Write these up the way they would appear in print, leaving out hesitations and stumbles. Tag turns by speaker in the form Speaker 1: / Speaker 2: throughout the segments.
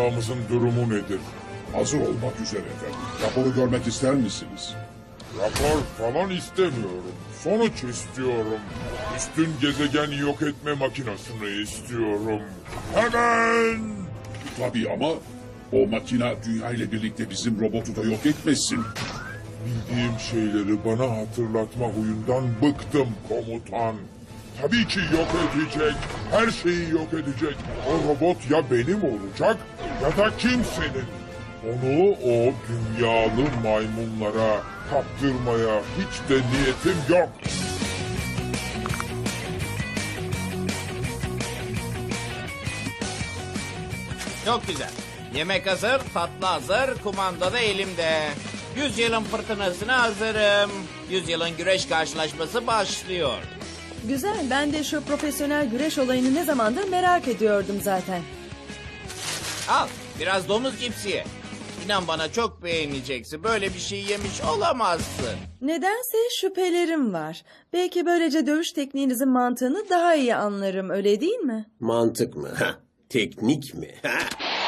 Speaker 1: uçağımızın durumu nedir?
Speaker 2: Hazır olmak üzere efendim. Raporu görmek ister misiniz?
Speaker 1: Rapor falan istemiyorum. Sonuç istiyorum. Üstün gezegen yok etme makinesini istiyorum. Hemen!
Speaker 2: Tabii ama o makina dünya ile birlikte bizim robotu da yok etmesin.
Speaker 1: Bildiğim şeyleri bana hatırlatma huyundan bıktım komutan. Tabii ki yok edecek. Her şeyi yok edecek. O robot ya benim olacak ya da kimsenin. Onu o dünyalı maymunlara kaptırmaya hiç de niyetim yok.
Speaker 3: Çok güzel. Yemek hazır, tatlı hazır, kumanda da elimde. 100 yılın fırtınasına hazırım. 100 yılın güreş karşılaşması başlıyor.
Speaker 4: Güzel, ben de şu profesyonel güreş olayını ne zamandır merak ediyordum zaten.
Speaker 3: Al, biraz domuz cipsi ye. İnan bana çok beğeneceksin. Böyle bir şey yemiş olamazsın.
Speaker 4: Nedense şüphelerim var. Belki böylece dövüş tekniğinizin mantığını daha iyi anlarım, öyle değil mi?
Speaker 5: Mantık mı? Ha, teknik mi? Ha?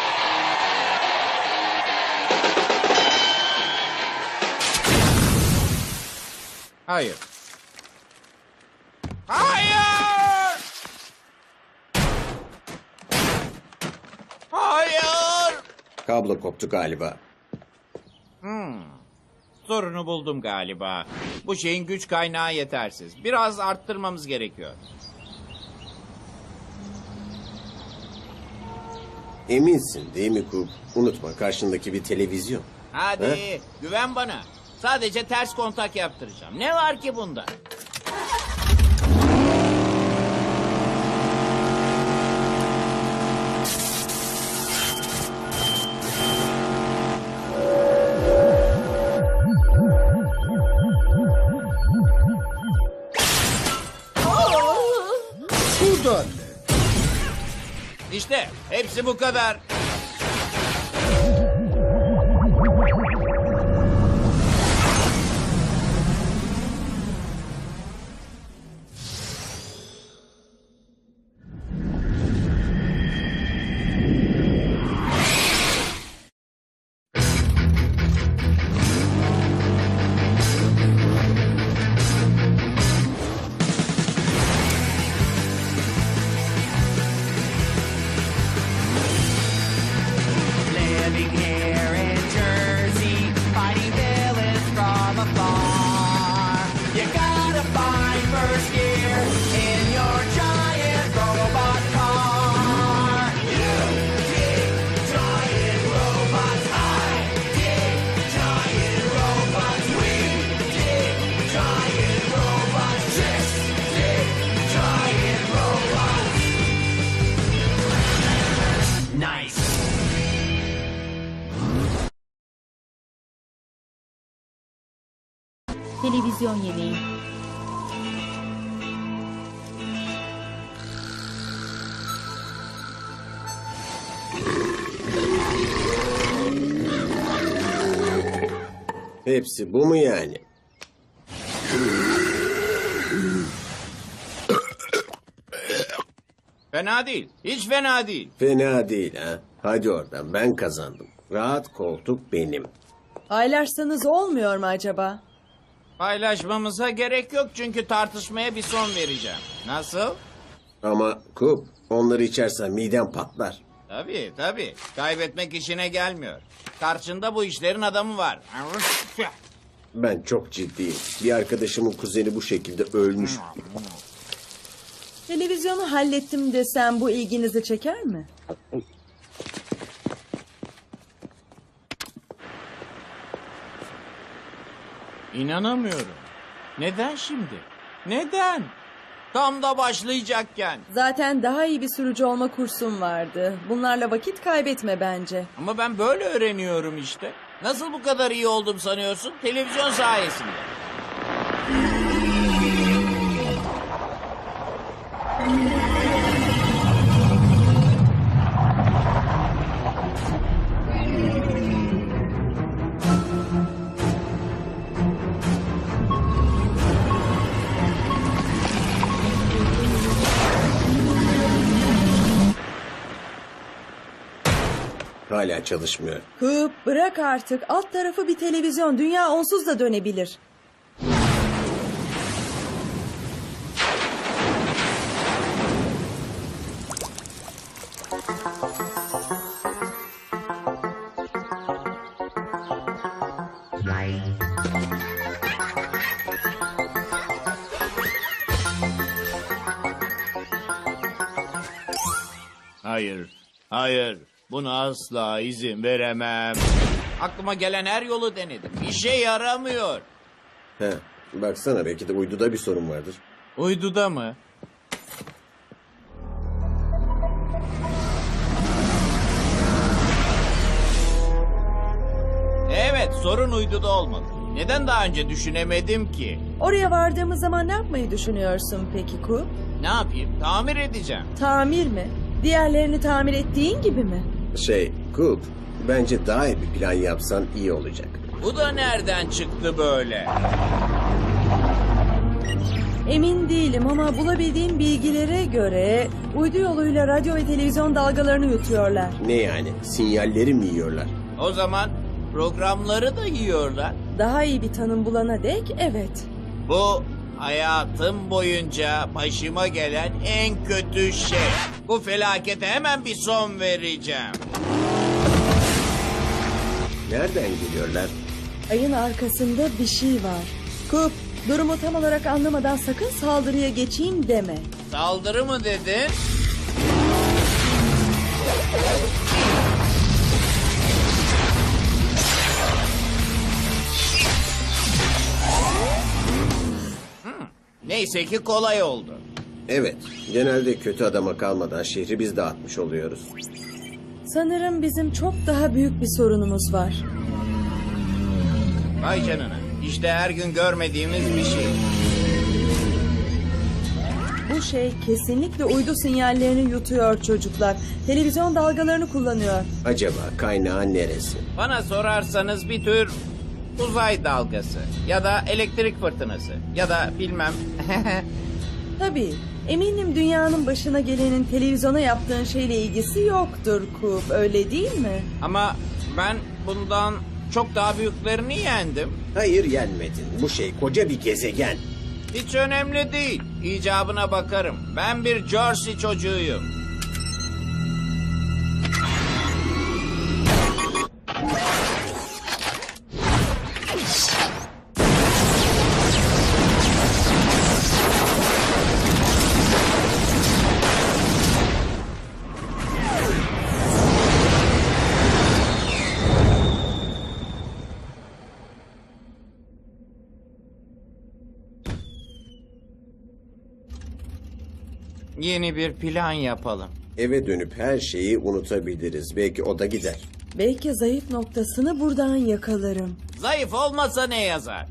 Speaker 3: Hayır. Hayır! Hayır!
Speaker 5: Kablo koptu galiba.
Speaker 3: Sorunu buldum galiba. Bu şeyin güç kaynağı yetersiz. Biraz arttırmamız gerekiyor.
Speaker 5: Eminsin değil mi Kup? Unutma karşındaki bir televizyon.
Speaker 3: Hadi güven bana. Sadece ters kontak yaptıracağım. Ne var ki bunda?
Speaker 6: Buradan ne?
Speaker 3: İşte hepsi bu kadar.
Speaker 7: Living here in Jersey, fighting villains from afar. You gotta find first gear in your giant robot car. You dig giant robots, I dig giant robots, we dig giant robots, Chicks dig giant robots. Nice.
Speaker 8: Televizyon yemeği.
Speaker 5: Hepsi bu mu yani?
Speaker 3: Fena değil. Hiç fena değil.
Speaker 5: Fena değil ha. Hadi oradan ben kazandım. Rahat koltuk benim.
Speaker 4: Paylaşsanız olmuyor mu acaba?
Speaker 3: Paylaşmamıza gerek yok çünkü tartışmaya bir son vereceğim. Nasıl?
Speaker 5: Ama Kup onları içersen miden patlar.
Speaker 3: Tabii tabii. Kaybetmek işine gelmiyor. Karşında bu işlerin adamı var.
Speaker 5: Ben çok ciddiyim. Bir arkadaşımın kuzeni bu şekilde ölmüş.
Speaker 4: Televizyonu hallettim desem bu ilginizi çeker mi?
Speaker 3: İnanamıyorum. Neden şimdi? Neden? Tam da başlayacakken.
Speaker 4: Zaten daha iyi bir sürücü olma kursum vardı. Bunlarla vakit kaybetme bence.
Speaker 3: Ama ben böyle öğreniyorum işte. Nasıl bu kadar iyi oldum sanıyorsun? Televizyon sayesinde.
Speaker 5: hala çalışmıyor.
Speaker 4: Coop bırak artık. Alt tarafı bir televizyon. Dünya onsuz da dönebilir.
Speaker 3: Hayır, hayır. Buna asla izin veremem. Aklıma gelen her yolu denedim. İşe yaramıyor.
Speaker 5: He, baksana belki de uyduda bir sorun vardır.
Speaker 3: Uyduda mı? Evet, sorun uyduda olmalı. Neden daha önce düşünemedim ki?
Speaker 4: Oraya vardığımız zaman ne yapmayı düşünüyorsun peki Coop?
Speaker 3: Ne yapayım? Tamir edeceğim.
Speaker 4: Tamir mi? Diğerlerini tamir ettiğin gibi mi?
Speaker 5: Coop, bence daha iyi bir plan yapsan iyi olacak.
Speaker 3: Bu da nereden çıktı böyle?
Speaker 4: Emin değilim ama bulabildiğim bilgilere göre uydu yoluyla radyo ve televizyon dalgalarını yutuyorlar.
Speaker 5: Ne yani? Sinyalleri mi yiyorlar?
Speaker 3: O zaman programları da yiyorlar.
Speaker 4: Daha iyi bir tanım bulana dek evet.
Speaker 3: Bu hayatım boyunca başıma gelen en kötü şey. Bu felakete hemen bir son vereceğim.
Speaker 5: Nereden geliyorlar?
Speaker 4: Ayın arkasında bir şey var. Coop, durumu tam olarak anlamadan sakın saldırıya geçeyim deme.
Speaker 3: Saldırı mı dedin? Neyse ki kolay oldu.
Speaker 5: Evet, genelde kötü adama kalmadan şehri biz dağıtmış oluyoruz.
Speaker 4: Sanırım bizim çok daha büyük bir sorunumuz var.
Speaker 3: Vay canına. İşte her gün görmediğimiz bir şey.
Speaker 4: Bu şey kesinlikle uydu sinyallerini yutuyor çocuklar. Televizyon dalgalarını kullanıyor.
Speaker 5: Acaba kaynağı neresi?
Speaker 3: Bana sorarsanız bir tür uzay dalgası ya da elektrik fırtınası ya da bilmem.
Speaker 4: Tabii. Eminim dünyanın başına gelenin televizyona yaptığın şeyle ilgisi yoktur Coop, öyle değil mi?
Speaker 3: Ama ben bundan çok daha büyüklerini yendim.
Speaker 5: Hayır, yenmedin. Bu şey koca bir gezegen.
Speaker 3: Hiç önemli değil. İcabına bakarım. Ben bir Jersey çocuğuyum. Yeni bir plan yapalım.
Speaker 5: Eve dönüp her şeyi unutabiliriz. Belki o da gider.
Speaker 4: Belki zayıf noktasını buradan yakalarım.
Speaker 3: Zayıf olmasa ne yazar?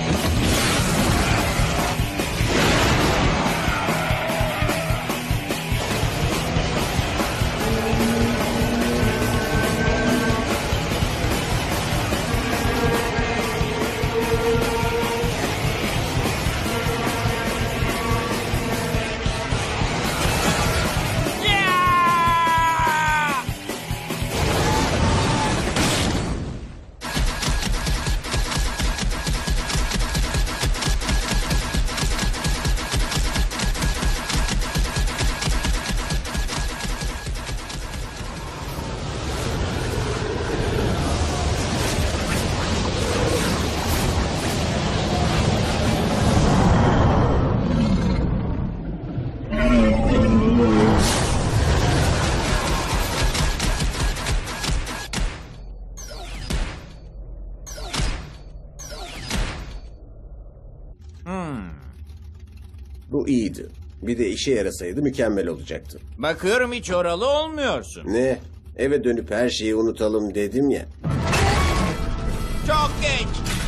Speaker 5: Bu iyiydi. Bir de işe yarasaydı mükemmel olacaktı.
Speaker 3: Bakıyorum hiç oralı olmuyorsun.
Speaker 5: Ne? Eve dönüp her şeyi unutalım dedim ya.
Speaker 3: Çok geç.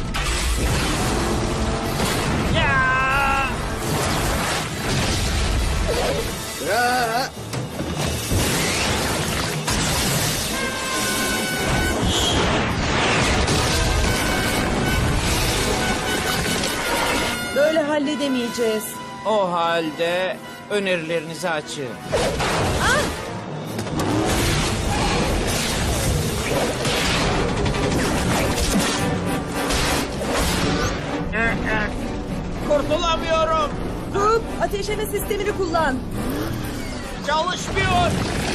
Speaker 3: Ya!
Speaker 5: Aa!
Speaker 4: Böyle halledemeyeceğiz.
Speaker 3: O halde önerilerinizi açın.
Speaker 4: Ateşleme sistemini kullan.
Speaker 3: Çalışmıyor.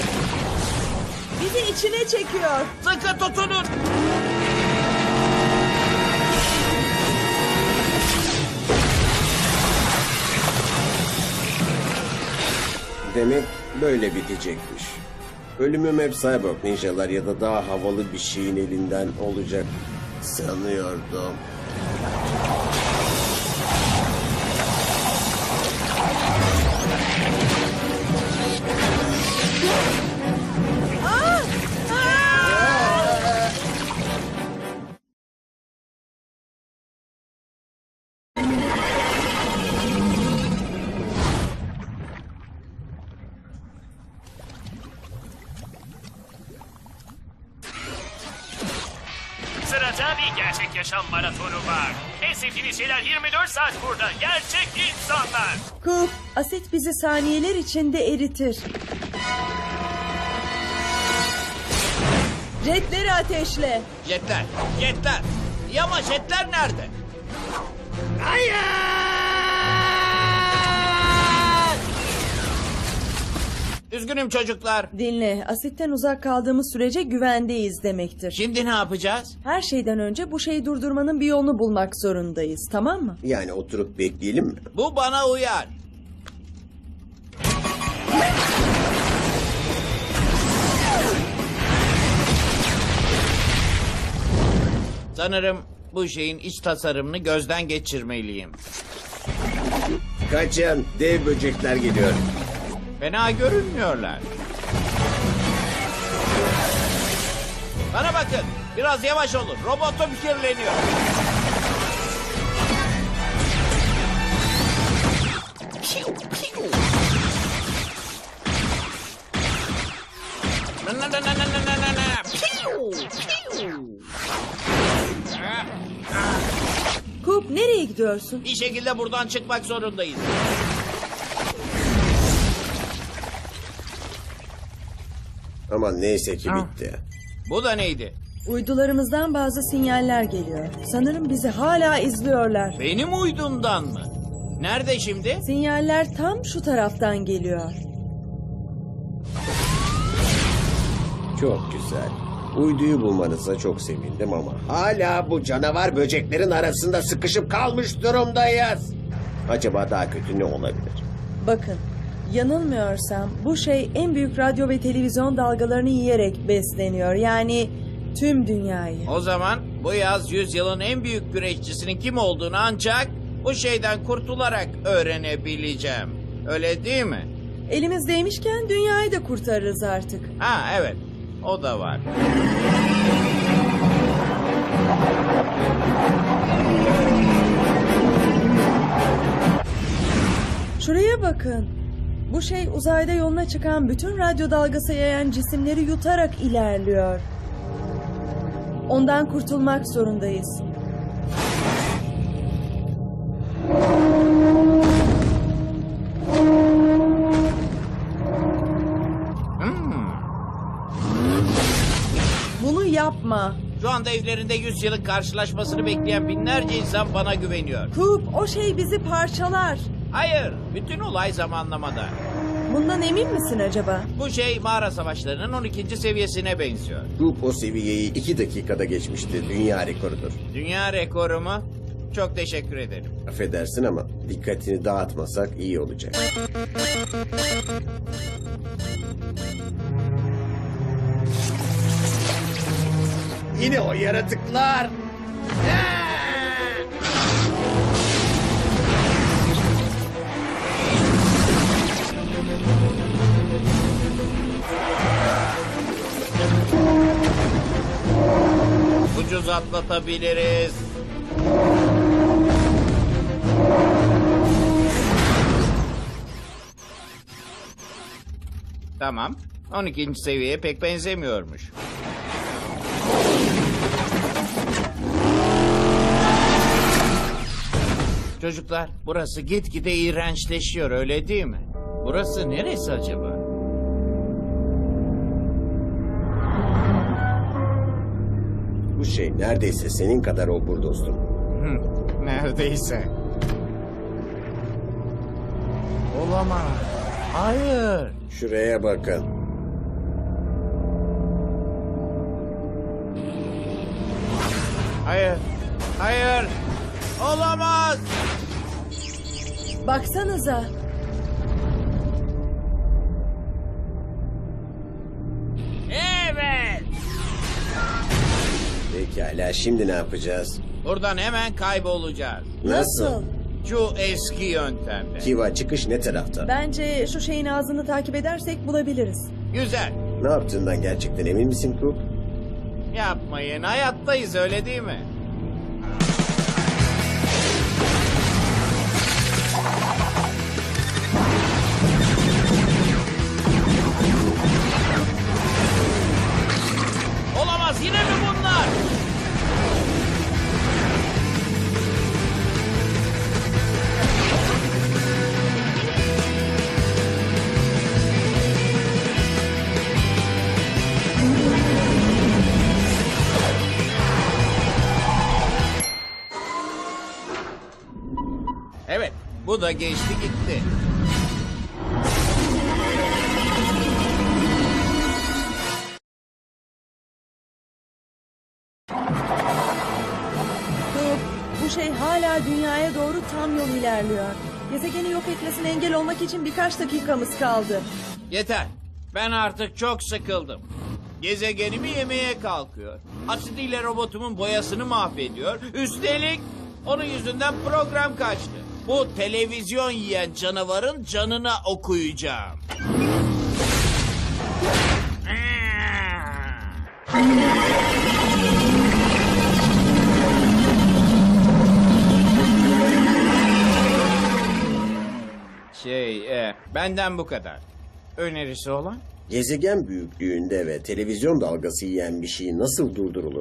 Speaker 4: Bizi içine çekiyor.
Speaker 3: Sıkı tutunun.
Speaker 5: Demek böyle bitecekmiş. Ölümüm hep cyborg ninjalar ya da daha havalı bir şeyin elinden olacak sanıyordum.
Speaker 6: Sırada bir gerçek yaşam maratonu var. En sevdiğiniz şeyler 24 saat burada. Gerçek insanlar.
Speaker 4: Coop, asit bizi saniyeler içinde eritir. Jetleri ateşle.
Speaker 3: Jetler. Jetler. İyi ama jetler nerede? Üzgünüm çocuklar.
Speaker 4: Dinle, asitten uzak kaldığımız sürece güvendeyiz demektir.
Speaker 3: Şimdi ne yapacağız?
Speaker 4: Her şeyden önce bu şeyi durdurmanın bir yolunu bulmak zorundayız, tamam mı?
Speaker 5: Yani oturup bekleyelim mi?
Speaker 3: Bu bana uyar. Sanırım bu şeyin iç tasarımını gözden geçirmeliyim.
Speaker 5: Kaçın, dev böcekler geliyor.
Speaker 3: Fena görünmüyorlar. Bana bakın. Biraz yavaş olun. Robotum kirleniyor.
Speaker 4: Coop, nereye gidiyorsun?
Speaker 3: Bir şekilde buradan çıkmak zorundayız.
Speaker 5: Ama neyse ki bitti.
Speaker 3: Bu da neydi?
Speaker 4: Uydularımızdan bazı sinyaller geliyor. Sanırım bizi hala izliyorlar.
Speaker 3: Benim uydumdan mı? Nerede şimdi?
Speaker 4: Sinyaller tam şu taraftan geliyor.
Speaker 5: Çok güzel. Uyduyu bulmanıza çok sevindim ama hala bu canavar böceklerin arasında sıkışıp kalmış durumdayız. Acaba daha kötü ne olabilir?
Speaker 4: Bakın, yanılmıyorsam bu şey en büyük radyo ve televizyon dalgalarını yiyerek besleniyor. Yani tüm dünyayı.
Speaker 3: O zaman bu yaz 100 yılın en büyük güreşçisinin kim olduğunu ancak bu şeyden kurtularak öğrenebileceğim. Öyle değil mi?
Speaker 4: Elimizdeymişken dünyayı da kurtarırız artık.
Speaker 3: Ha evet. O da var.
Speaker 4: Şuraya bakın. Bu şey uzayda yoluna çıkan bütün radyo dalgası yayan cisimleri yutarak ilerliyor. Ondan kurtulmak zorundayız. Bunu yapma.
Speaker 3: Şu anda evlerinde 100 yıllık karşılaşmasını bekleyen binlerce insan bana güveniyor.
Speaker 4: Coop, o şey bizi parçalar.
Speaker 3: Hayır, bütün olay zamanlamada.
Speaker 4: Bundan emin misin acaba?
Speaker 3: Bu şey mağara savaşlarının 12. seviyesine benziyor.
Speaker 5: Grup o seviyeyi 2 dakikada geçmişti. Dünya rekorudur.
Speaker 3: Dünya rekoru mu? Çok teşekkür ederim.
Speaker 5: Affedersin ama dikkatini dağıtmasak iyi olacak. Yine o yaratıklar.
Speaker 3: Ucuz atlatabiliriz. Tamam. 12. seviyeye pek benzemiyormuş. Çocuklar, burası gitgide iğrençleşiyor, öyle değil mi? Burası neresi acaba?
Speaker 5: Bu şey neredeyse senin kadar obur dostum.
Speaker 3: Neredeyse. Olamaz. Hayır.
Speaker 5: Şuraya bakın.
Speaker 3: Hayır. Hayır. Olamaz.
Speaker 4: Baksanıza.
Speaker 3: Evet.
Speaker 5: Pekala, şimdi ne yapacağız?
Speaker 3: Buradan hemen kaybolacağız.
Speaker 4: Nasıl?
Speaker 3: Şu eski yöntemle.
Speaker 5: Kiva, çıkış ne tarafta?
Speaker 4: Bence şu şeyin ağzını takip edersek bulabiliriz.
Speaker 3: Güzel.
Speaker 5: Ne yaptığından gerçekten emin misin Cook?
Speaker 3: Yapmayın. Hayattayız öyle değil mi? Olamaz. Yine mi bunlar? Evet. Bu da geçti gitti.
Speaker 4: Dur, bu şey hala dünyaya doğru tam yol ilerliyor. Gezegeni yok etmesine engel olmak için birkaç dakikamız kaldı.
Speaker 3: Yeter. Ben artık çok sıkıldım. Gezegenimi yemeye kalkıyor. Asidiyle robotumun boyasını mahvediyor. Üstelik onun yüzünden program kaçtı. Bu televizyon yiyen canavarın canına okuyacağım. Benden bu kadar. Önerisi olan?
Speaker 5: Gezegen büyüklüğünde ve televizyon dalgası yiyen bir şey nasıl durdurulur?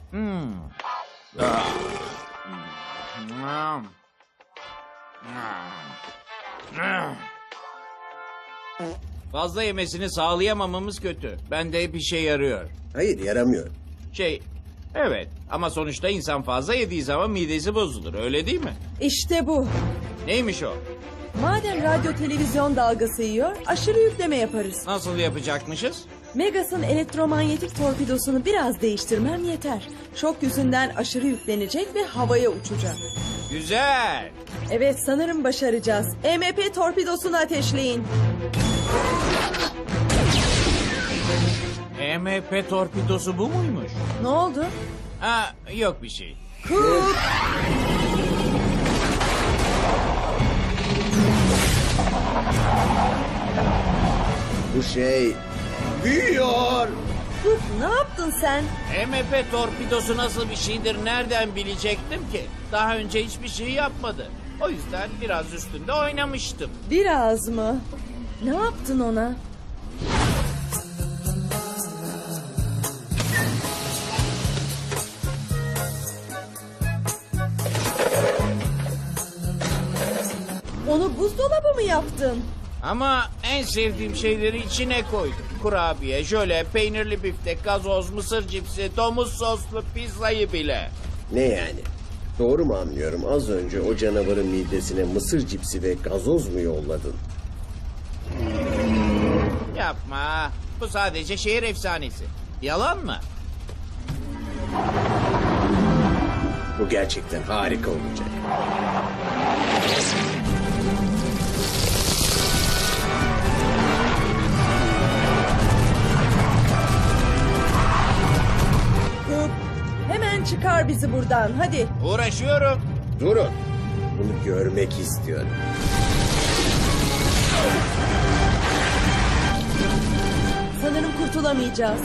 Speaker 3: Fazla yemesini sağlayamamamız kötü. Bende hep işe yarıyor.
Speaker 5: Hayır, yaramıyor.
Speaker 3: Evet ama sonuçta insan fazla yediği zaman midesi bozulur öyle değil mi?
Speaker 4: İşte bu.
Speaker 3: Neymiş o?
Speaker 4: Madem radyo televizyon dalgası yiyor, aşırı yükleme yaparız.
Speaker 3: Nasıl yapacakmışız?
Speaker 4: Megas'ın elektromanyetik torpidosunu biraz değiştirmem yeter. Şok yüzünden aşırı yüklenecek ve havaya uçacak.
Speaker 3: Güzel.
Speaker 4: Evet, sanırım başaracağız. EMP torpidosunu ateşleyin.
Speaker 3: EMP torpidosu bu muymuş?
Speaker 4: Ne oldu?
Speaker 3: Ha yok bir şey.
Speaker 4: Cook!
Speaker 5: Bu şey büyüyor.
Speaker 4: Cook, ne yaptın sen?
Speaker 3: EMP torpidosu nasıl bir şeydir nereden bilecektim ki? Daha önce hiçbir şey yapmadı. O yüzden biraz üstünde oynamıştım.
Speaker 4: Biraz mı? Ne yaptın ona? Onu buzdolabı mı yaptın?
Speaker 3: Ama en sevdiğim şeyleri içine koydum. Kurabiye, jöle, peynirli biftek, gazoz, mısır cipsi, domuz soslu pizzayı bile.
Speaker 5: Ne yani? Doğru mu anlıyorum? Az önce o canavarın midesine mısır cipsi ve gazoz mu yolladın?
Speaker 3: Yapma. Bu sadece şehir efsanesi. Yalan mı?
Speaker 5: Bu gerçekten harika olacak.
Speaker 4: Cook, hemen çıkar bizi buradan, hadi.
Speaker 3: Uğraşıyorum.
Speaker 5: Durun. Bunu görmek istiyorum.
Speaker 4: Sanırım kurtulamayacağız.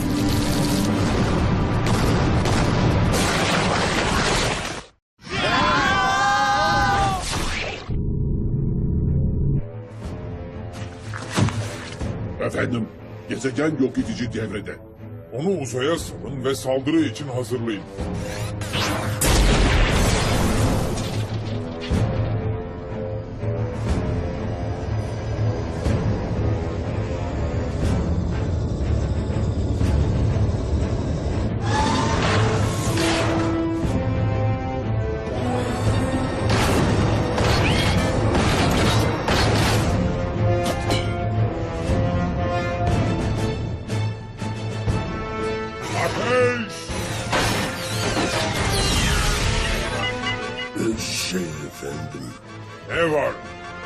Speaker 2: Efendim, gezegen yok edici devrede.
Speaker 1: Onu uzaya salın ve saldırı için hazırlayın. efendim. Ne var?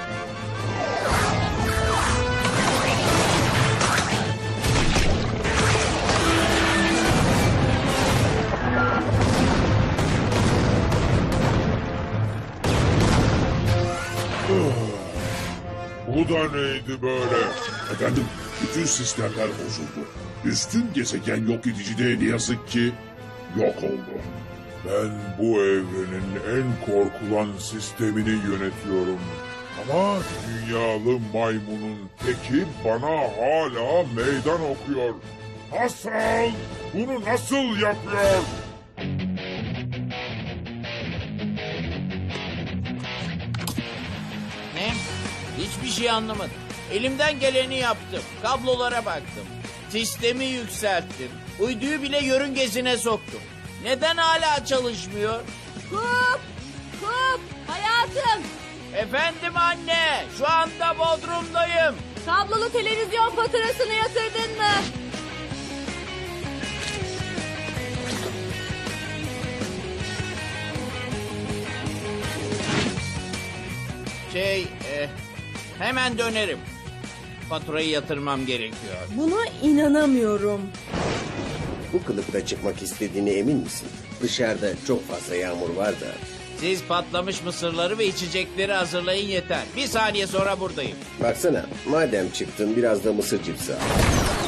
Speaker 1: Bu da neydi böyle?
Speaker 2: Efendim, bütün sistemler bozuldu. Üstün gezegen yok edici de ne yazık ki yok oldu.
Speaker 1: Ben bu evrenin en korkulan sistemini yönetiyorum. Ama dünyalı maymunun teki bana hala meydan okuyor. Nasıl? Bunu nasıl yapıyor?
Speaker 3: Ne? Hiçbir şey anlamadım. Elimden geleni yaptım. Kablolara baktım. Sistemi yükselttim. Uyduyu bile yörüngesine soktum. Neden hala çalışmıyor?
Speaker 8: Kup! Kup! Hayatım!
Speaker 3: Efendim anne, şu anda Bodrum'dayım.
Speaker 8: Kablolu televizyon faturasını yatırdın mı?
Speaker 3: Hemen dönerim. Faturayı yatırmam gerekiyor.
Speaker 4: Buna inanamıyorum.
Speaker 5: Bu kılıkta çıkmak istediğine emin misin? Dışarıda çok fazla yağmur var da.
Speaker 3: Siz patlamış mısırları ve içecekleri hazırlayın yeter. Bir saniye sonra buradayım.
Speaker 5: Baksana, madem çıktın biraz da mısır cipsi al.